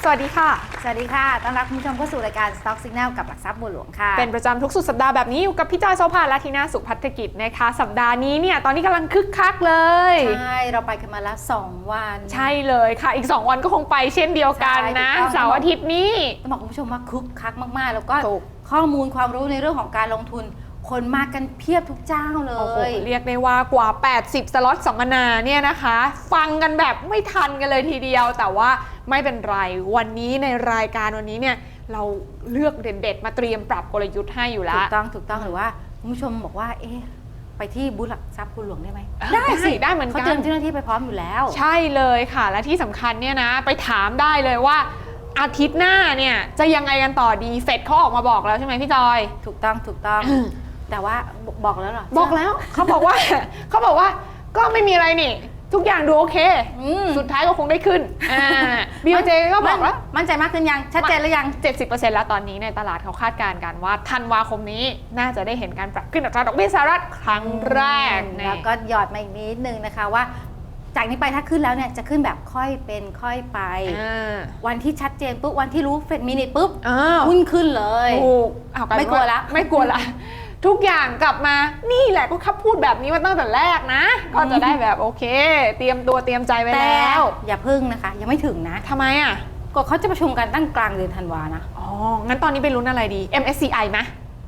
วัสดีค่ะสวัสดีค่ะต้อนรับคุณผู้ชมเข้าสู่รายการ Stock Signal กับหลักทรัพย์บัวหลวงค่ะเป็นประจำทุกสุดสัปดาห์แบบนี้อยู่กับพี่จอยโซภาและทีน่าสุขภัทรกิจนะคะสัปดาห์นี้เนี่ยตอนนี้กำลังคึกคักเลยใช่เราไปกันมาแล้ว2วันใช่เลยค่ะอีก2วันก็คงไปเช่นเดียวกันนะเสาร์อาทิตย์นี้ต้องบอกคุณผู้ชมว่าคึกคักมากๆแล้วก็ข้อมูลความรู้ในเรื่องของการลงทุนคนมากันเพียบทุกเจ้าเลยเรียกได้ว่ากว่า80สล็อตสัมมนาเนี่ยนะคะฟังกันแบบไม่ทันกันเลยทีเดียวแต่ว่าไม่เป็นไรวันนี้ในรายการวันนี้เนี่ยเราเลือกเด็ดๆมาเตรียมปรับกลยุทธ์ให้อยู่แล้วถูกต้องหรือว่าคุณผู้ชมบอกว่าไปที่บูธหลักทรัพย์บัวหลวงได้ไหมได้สิได้เหมือนกันเขาเตรียมเจ้าหน้าที่ไปพร้อมอยู่แล้วใช่เลยค่ะและที่สำคัญเนี่ยนะไปถามได้เลยว่าอาทิตย์หน้าเนี่ยจะยังไงกันต่อดีเฟดเขาออกมาบอกแล้วใช่ไหมพี่จอยถูกต้องแต่ว่าบอกแล้วเหรอบอกแล้วเขาบอกว่าก็ไม่มีอะไรนี่ทุกอย่างดูโอเคสุดท้ายก็คงได้ขึ้นBOJ ก็บอกแล้วมั่นใจมากขึ้นยังชัดเจนหรือยัง 70% แล้วตอนนี้ในตลาดเขาคาดการณ์กันว่าธันวาคมนี้น่าจะได้เห็นการปรับขึ้นอัตราดอกเบี้ยสหรัฐครั้งแรกแล้วก็หยอดมาอีกนิดนึงนะคะว่าจากนี้ไปถ้าขึ้นแล้วเนี่ยจะขึ้นแบบค่อยเป็นค่อยไปวันที่ชัดเจนปุ๊บวันที่รู้เฟดมินิทปุ๊บหุ้นขึ้นเลยไม่กลัวละทุกอย่างกลับมานี่แหละก็ขับพูดแบบนี้มาตั้งแต่แรกนะก็จะได้แบบโอเคเตรียมตัวเตรียมใจไว้แล้วอย่าพึ่งนะคะยังไม่ถึงนะทำไมอ่ะก็เขาจะประชุมกันตั้งกลางเดือนธันวานะงั้นตอนนี้ไปลุ้นอะไรดี MSCI ไหม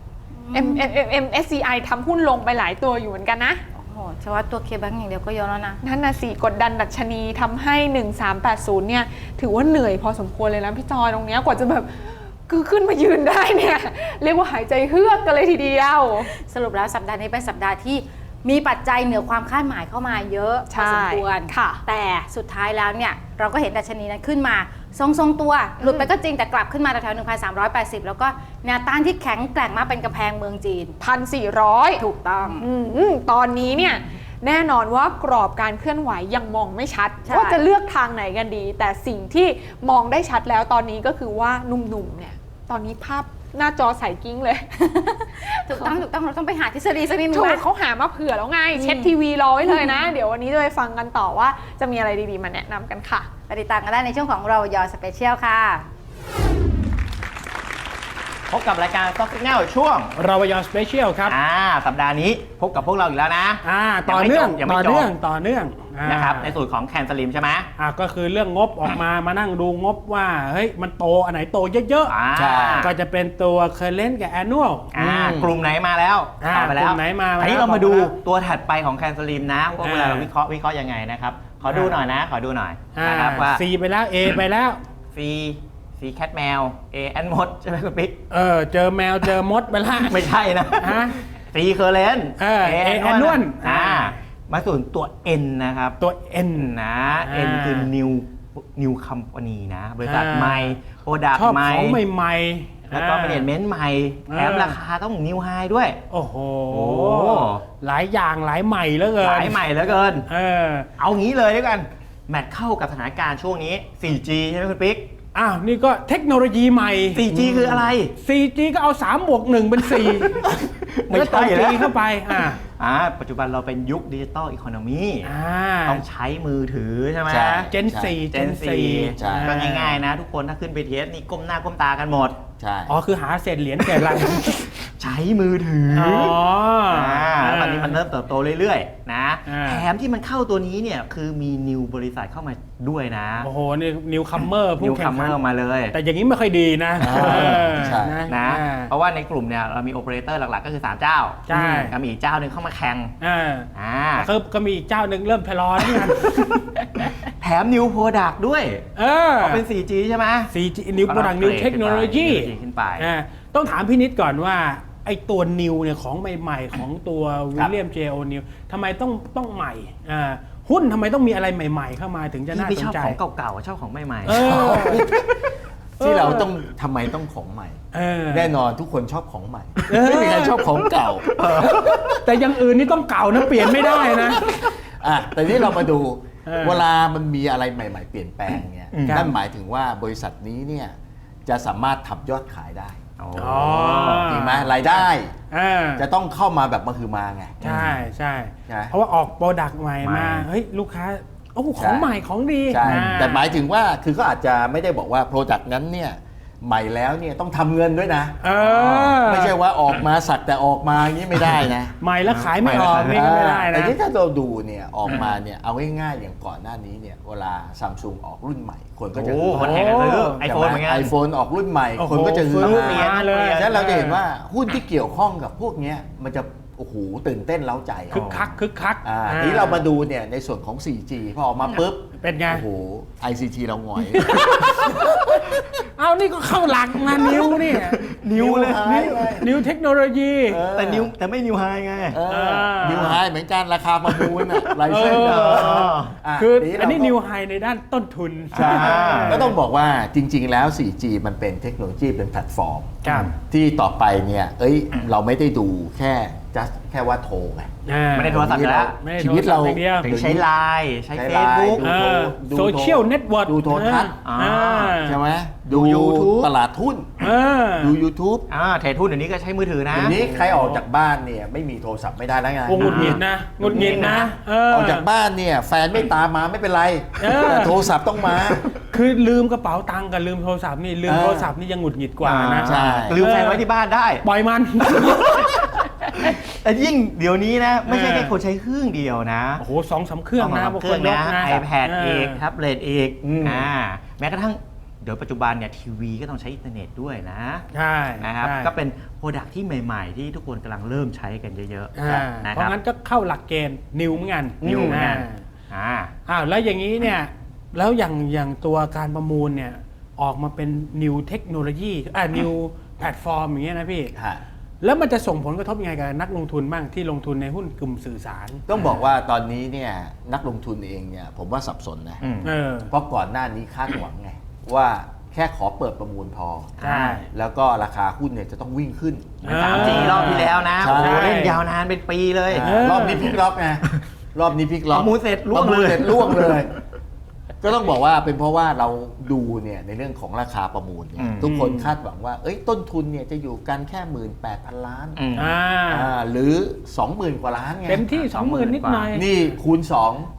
MSCI ทำหุ้นลงไปหลายตัวอยู่เหมือนกันนะเฉพาะตัวเคแบงก์อย่างเดียวก็เยอะแล้วนะนั่นน่ะสิกดดันดัชนีทำให้1380เนี่ยถือว่าเหนื่อยพอสมควรเลยนะพี่จอยตรงนี้กว่าจะแบบคือขึ้นมายืนได้เนี่ยเรียกว่าหายใจเฮือกกันเลยทีเดียวสรุปแล้วสัปดาห์นี้เป็นสัปดาห์ที่มีปัจจัยเหนือความคาดหมายเข้ามาเยอะพอสมควรแต่สุดท้ายแล้วเนี่ยเราก็เห็นดัชนีนั้นขึ้นมาทรงตัวหลุดไปก็จริงแต่กลับขึ้นมาแถวๆ 1,380 แล้วก็แนวต้านที่แข็งแกร่งมากเป็นกำแพงเมืองจีน 1,400 ถูกต้องตอนนี้เนี่ยแน่นอนว่ากรอบการเคลื่อนไหวยังมองไม่ชัดว่าจะเลือกทางไหนกันดีแต่สิ่งที่มองได้ชัดแล้วตอนนี้ก็คือว่าหนุ่มๆเนี่ยตอนนี้ภาพหน้าจอใสกิ้งเลยถูกต้องเราต้องไปหาทฤษฎีสักนิดนึงนะเขาหามาเผื่อแล้วไงเช็ดทีวีรอไว้เลยนะเดี๋ยววันนี้จะไปฟังกันต่อว่าจะมีอะไรดีๆมาแนะนำกันค่ะไปติดตามกันได้ในช่วงของเรายอสเปเชียลค่ะพบกับรายการ Stock Signal ช่วงเราวยอสเปเชียลครับสัปดาห์นี้พบกับพวกเราอีกแล้วนะต่อเนื่องนะครับในส่วนของแคนสลิมใช่ไหมก็คือเรื่องงบออกมานั่งดูงบว่าเฮ้ยมันโตอันไหนโตเยอะๆก็จะเป็นตัว Current กับ Annual กลุ่มไหนมาแล้วไปแล้วกลุ่มไหนมาอันนี้เรามาดูตัวถัดไปของแคนสลิมนะว่าเวลาเราวิเคราะห์ยังไงนะครับขอดูหน่อยนะครับว่า C ไปแล้ว A ไปแล้ว Cแคทแมว A แอนมดใช่ไหมคุณปิ๊กเจอแมวเจอมดไปละไม่ใช่นะC เคอร์เรน A แอนนวลมาส่วนตัว N นะครับตัว N นะ N คือ New Company นะบริษัทใหม่โปรดักต์ใหม่ของใหม่แล้วก็แมเนจเมนต์ใหม่แถมราคาต้อง New High ด้วยโอ้โหหลายอย่างหลายใหม่เหลือเกินเอางี้เลยด้วยกันแมทเข้ากับสถานการณ์ช่วงนี้ 4G ใช่ไหมคุณปิ๊กนี่ก็เทคโนโลยีใหม่ 4G คืออะไร 4G ก็เอา3+1เป็น4 ไม่ใช่แล้วเข้าไปปัจจุบันเราเป็นยุคดิจิตอลอีโคโนมีต้องใช้มือถือใช่ไหม Gen 4 ก็ง่ายๆนะทุกคนถ้าขึ้นไปเทสนี่ก้มหน้าก้มตากันหมดใช่คือหาเศษเหรียญแก่ลังใช้มือถือแล้วตอนนี้มันเริ่มเติบโตเรื่อยๆนะแถมที่มันเข้าตัวนี้เนี่ยคือมีนิวบริษัทเข้ามาด้วยนะโอ้โหนี่นิวคัมเมอร์นิวคัมเมอร์มาเลยแต่อย่างนี้ไม่ค่อยดีนะเพราะว่าในกลุ่มเนี่ยเรามีโอเปอเรเตอร์หลักๆก็คือ3เจ้าก็มีเจ้าหนึ่งเข้ามาแข่งก็มีอีกเจ้าหนึ่งเริ่มทะเลาะกันแถมนิวโปรดักต์ด้วยเป็น 4G ใช่ไหม 4G นิวโปรดักต์นิวเทคโนโลยีขึ้นไปต้องถามพี่นิดก่อนว่าไอ้ตัวนิวเนี่ยของใหม่ๆของตัววิลเลียมเจโอนิวทำไมต้องใหม่หุ้นทำไมต้องมีอะไรใหม่ๆเข้ามาถึงจะน่าสนใจชอบของเก่าๆชอบของใหม่ๆที่เราต้องทำไมต้องของใหม่แน่นอนทุกคนชอบของใหม่ไม่มีใครชอบของเก่าแต่อย่างอื่นนี่ต้องเก่านะเปลี่ยนไม่ได้นะแต่นี่เรามาดูเวลามันมีอะไรใหม่ๆเปลี่ยนแปลงเนี่ยนั่นหมายถึงว่าบริษัทนี้เนี่ยจะสามารถทำยอดขายได้จริงไหมรายได้จะต้องเข้ามาแบบมาคือมาไงใช่เพราะว่าออกโปรดักต์ใหม่มาเฮ้ยลูกค้าโอ้ของใหม่ของดีใช่อ่าแต่หมายถึงว่าคือเขาอาจจะไม่ได้บอกว่าโปรดักต์นั้นเนี่ยใหม่แล้วเนี่ยต้องทำเงินด้วยนะ ไม่ใช่ว่าออกมาสักแต่ออกมาอย่างนี้ไม่ได้นะใหม่แล้วขายไม่ออกนี่ก็ไม่ได้แต่นะที่ถ้าเราดูเนี่ยออกมาเนี่ยเอาง่ายๆอย่างก่อนหน้านี้เนี่ยเวลาซัมซุงออกรุ่นใหม่คนก็จะโอ้คนแห่กันซื้อไอโฟนเหมือนกันไอโฟนออกรุ่นใหม่โอ้โหคนก็จะฮือซื้อฮาเปลี่ยนเลยฉะนั้นเราจะเห็นว่าหุ้นที่เกี่ยวข้องกับพวกเนี้ยมันจะโอ้โหตื่นเต้นเล้าใจคึกคักทีนี้เรามาดูเนี่ยในส่วนของ 4G พอออกมาปุ๊บเป็นไงโอ้โห ICT เราหงอยเอานี่ก็เข้าหลักมานิ้วนี่นิ้วเลยนิ้วเทคโนโลยีแต่ไม่นิวไฮไงนิวไฮเหมือนกันราคาประมูลอะลายเส้นเออะคือทีอันนี้เราก็นิวไฮในด้านต้นทุนใช่ก็ต้องบอกว่าจริง ๆ แล้ว 4G มันเป็นเทคโนโลยีเป็นแพลตฟอร์มครับที่ต่อไปเนี่ยเราไม่ได้ดูแค่ว่าโทรไงไม่ได้โทรศัพท์อยู่แล้วไม่ได้ชีวิตเราโทศัพท์อย่างเดียวถึงใช้ไลน์ใช้ใช้เฟไลซน์บุ๊กดูโซเชียลเน็ตเวิร์กดูโทรทัศน์ ใช่ไหมดู YouTube ตลาดหุ้นดู YouTube เทรดหุ้นเดี๋ยวนี้ก็ใช้มือถือนะเดี๋ยวนี้ใครออกจากบ้านเนี่ยไม่มีโทรศัพท์ไม่ได้แล้วไงโอ้หงุดหงิดนะหงุดหงิดนะออกจากบ้านเนี่ยแฟนไม่ตามมาไม่เป็นไรเออแต่โทรศัพท์ต้องมาคือลืมกระเป๋าตังค์กับลืมโทรศัพท์นี่ลืมโทรศัพท์นี่ยังหงุดหงิดกว่านะใช่ลืมแฟนไว้ที่บ้านได้ปล่อยมันแต่ยิ่งเดี๋ยวนี้นะ ไม่ใช่แค่คนใช้เครื่องเดียวนะโอ้โห2-3 เครื่องนะเครื่องยนะกนะ iPad เอกแท็บเล็ตเอกอืมแม้กระทั่งเดี๋ยวปัจจุบันเนี่ยทีวีก็ต้องใช้อินเทอร์เน็ตด้วยนะใช่นะครับใช่ก็เป็นโปรดักที่ใหม่ๆ ที่ทุกคนกำลังเริ่มใช้กันเยอะอ่าๆนะเพครับราะงั้นก็เข้าหลักเกณฑ์นิวเหมือนกันนิวเหมือนกันอ้าวแล้วอย่างนี้เนี่ยแล้วอย่างตัวการประมูลเนี่ยออกมาเป็นนิวเทคโนโลยีนิวแพลตฟอร์มอย่างเงี้ยนะพี่ฮะแล้วมันจะส่งผลกระทบยังไงกับนักลงทุนบ้างที่ลงทุนในหุ้นกลุ่มสื่อสารต้องบอกว่าตอนนี้เนี่ยนักลงทุนเองเนี่ยผมว่าสับสนนะอืมเพราะก่อนหน้านี้คาดหวังไง ว่าแค่ขอเปิดประมูลพอใช่แล้วก็ราคาหุ้นเนี่ยจะต้องวิ่งขึ้น 3G รอบที่แล้วนะใช่โอ้โหเล่นยาวนานเป็นปีเลยรอบนี้พลิกล็อกไงรอบนี้พลิกล็อกประมูลเสร็จล่วงประมูเลยเสร็จล่วงเลย ก็ต้องบอกว่าเป็นเพราะว่าเราดูเนี่ยในเรื่องของราคาประมูลเนี่ยทุกคนคาดหวังว่าต้นทุนเนี่ยจะอยู่กันแค่ 18,000 ล้านอืมหรือ 20,000 กว่าล้านไงเต็มที่ 20,000 นิดหน่อยนี่คูณ 2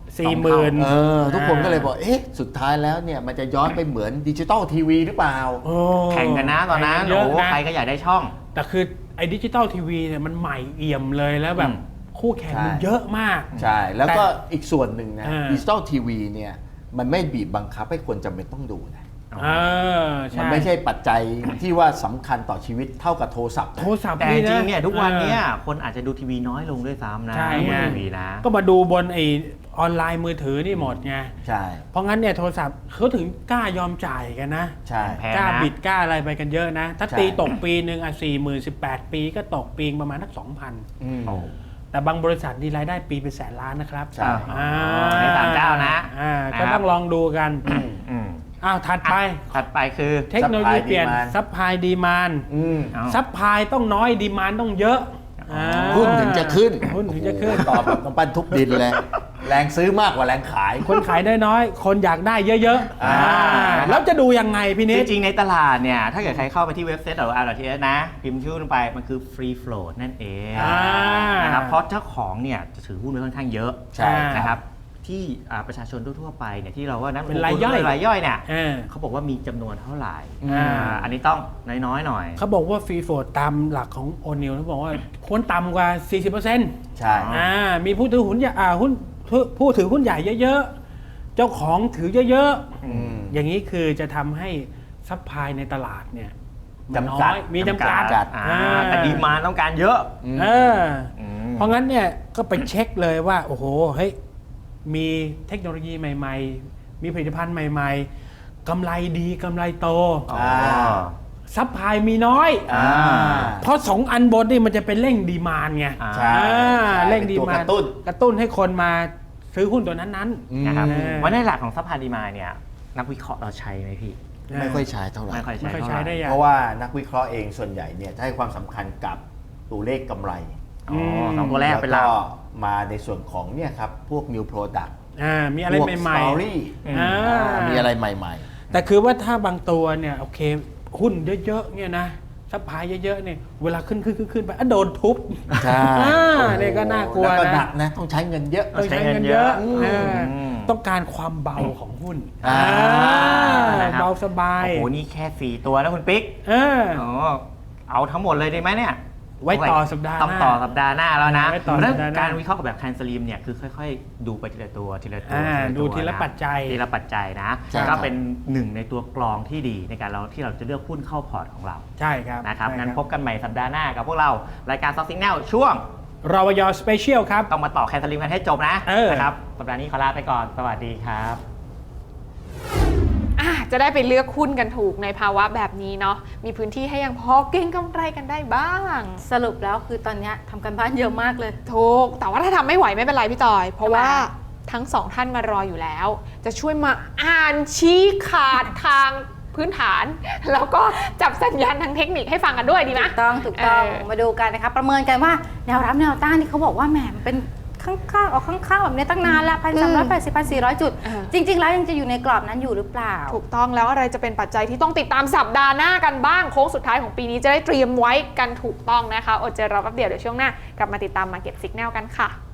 40,000 ทุกคนก็เลยบอกสุดท้ายแล้วเนี่ยมันจะย้อนไปเหมือนดิจิตอลทีวีหรือเปล่าโอ้แข่งกันนะตอนนั้นแข่งกัเยโอ้อะโหนะใครก็อยากได้ช่องแต่คือไอ้ดิจิตอลทีวีเนี่ยมันใหม่เอี่ยมเลยแล้วแบบอืมคู่แข่งมันใช่เยอะมากใช่ แล้วก็อีกส่วนหนึ่งนะอ่าดิจิตอลทีวีเนี่ยมันไม่บีบบังคับให้คนจำเป็นต้องดูนะใช่มันไม่ใช่ปัจจัยที่ว่าสำคัญต่อชีวิตเท่ากับโทรศัพท์นะโทรศัพท์แต่จริงๆเนี่ยทุกวันเนี้ยออคนอาจจะดูทีวีน้อยลงด้วยซ้ำนะใช่ดูไงทีวีนะก็มาดูบนไอออนไลน์มือถือนี่หมดไงใช่เพราะงั้นเนี่ยโทรศัพท์เขาถึงกล้ายอมจ่ายกันนะใช่แพงกล้านะบิดกล้าอะไรไปกันเยอะนะ ถ้าใช่ตีตกปีหนึ่ง40,000 18 ปีก็ตกปีประมาณสัก 2,000 อืมโอ้แต่บางบริษัทนี่รายได้ปีเป็นแสนล้านนะครับใช่ในต่างเจ้านะก็ต้องลองดูกันอืมถัดไปถัดไปคือเทคโนโลยีเปลี่ยน Supply ซัพพลายดีมานอืมเอาซัพพลายต้องน้อยดีมานต้องเยอะหุ้นถึงจะขึ้นหุ้นถึงจะขึ้นโอ้โหตอบแบบน้ำปั้นทุบดินเลย แรงซื้อมากกว่าแรงขายคนขายได้น้อยคนอยากได้เยอะๆแล้วจะดูยังไงพี่นิจดริงๆในตลาดเนี่ย ถ้าเกิดใครเข้าไปที่เว็บไซต์r.ts นะ พิมพ์ชื่อลงไปมันคือ free float นั่นเองนะครับเพราะเจ้าของเนี่ยจะถือหุ้นไว้ค่อนข้างเยอะใช่นะครับที่ประชาชนทั่วๆไปเนี่ยที่เราว่านักลงทุเป็นรายย่อยรายย่อยเนี่ยเออเขาบอกว่ามีจำนวนเท่าไหร่อ่าอันนี้ต้องน้อยๆหน่อยเขาบอกว่าฟรีโฟลดตามหลักของโอนิลเขาบอกว่าควรต่ำกว่า 40% ใช่มีผู้ถือหุ้นใหญ่ผู้ถือหุ้นใหญ่เยอะๆ เจ้าของถือเยอะอืมๆ อย่างนี้คือจะทำให้ซัพพลายในตลาดเนี่ยมันจำกัดน้อยมีจำกัดแต่ดีมานด์ต้องการเยอะเออเพราะงั้นเนี่ยก็ไปเช็คเลยว่า โอ้โหเฮ้ยมีเทคโนโลยีใหม่ๆ มีผลิตภัณฑ์ใหม่ๆกำไรดีกำไรโต ซัพพลายมีน้อย เพราะ2 อันบนนี่มันจะเป็นเร่งดีมานด์ไงอ่าใช่เร่งดีเป็นตัวมาก นระตุ้นกระตุ้นให้คนมาซื้อหุ้นตัวนั้นนะครับอืมวันในหลักของซัพพลายดีมานด์เนี่ยนักวิเคราะห์เราใช้ไหมพี่ๆไม่ค่อยใช้เท่าไหร่ไม่ค่อยไม่ใช้ค่อยเท่าใช้ไหได้ร่ยังเพราะว่านักวิเคราะห์เองส่วนใหญ่เนี่ยจะให้ความสำคัญกับตัวเลขกำไรอ๋อสองตัวแรกเป็นหลัแล้กวก็มาในส่วนของเนี่ยครับพวก new product มีอะไรพวกใหม่ story มีอะไรใหม่ๆ แต่คือว่าถ้าบางตัวเนี่ยโอเคหุ้นเยอะๆเนี่ยนะซัพพลายเยอะๆเนี่ยเวลาขึ้นไปโดนทุบๆ ใช่เนี่ยก็น่ากลัวแล้วก็หนันะกนะต้องใช้เงินเยอะต้องใช้เงินเยอะอืมต้องการความเบาของหุ้นนะครับเบาสบายโอ้โหนี่แค่4ตัวนะคุณปิ๊ก เอาทั้งหมดเลยได้ไหมเนี่ยไว้ต่อสัปดาห์หน้าต้องต่อสัปดาห์หน้าแล้วนะไว้ต่อสัปดาห์หน้าการวิเคราะห์กับแบบแคนสลีมเนี่ยคือค่อยๆ ดูไปทีละตัวทีละตัวดูทีละปัจจัยทีละปัจจัยนะใช่ครับก็เป็นหนึ่งในตัวกรองที่ดีในการที่เราจะเลือกหุ้นเข้าพอร์ตของเราใช่ครับนะครับใช่งั้นพบกันใหม่สัปดาห์หน้ากับพวกเรารายการ Stock Signal ช่วงรวยสเปเชียลครับต้องมาต่อแคนสลีมกันให้จบนะเออนะครับสัปดาห์นี้ขอลาไปก่อนสวัสดีครับจะได้ไปเลือกหุ้นกันถูกในภาวะแบบนี้เนาะมีพื้นที่ให้ยังพอเก็งกำไรกันได้บ้างสรุปแล้วคือตอนเนี้ยทำกันบ้านเยอะมากเลยถูกแต่ว่าถ้าทำไม่ไหวไม่เป็นไรพี่จอย เพราะว่าทำไมทั้งสองท่านมารออยู่แล้ว จะช่วยมาอ่านชี้ขาดทางพื้นฐาน แล้วก็จับสัญญาณทางเทคนิคให้ฟังกันด้วยดีไหมถูกต้องมาดูกันนะคะประเมินกันว่าแนวรับแนวต้านที่เขาบอกว่าแหมมันเป็นข้างๆออกข้างๆแบบนี้ตั้งนานแล้ว1,380 1,400 จุด จริง ๆ แล้วยังจะอยู่ในกรอบนั้นอยู่หรือเปล่าถูกต้องแล้วอะไรจะเป็นปัจจัยที่ต้องติดตามสัปดาห์หน้ากันบ้างโค้งสุดท้ายของปีนี้จะได้เตรียมไว้กันถูกต้องนะคะอดใจรอแป๊บเดียวเดี๋ยวช่วงหน้ากลับมาติดตาม Market Signal กันค่ะ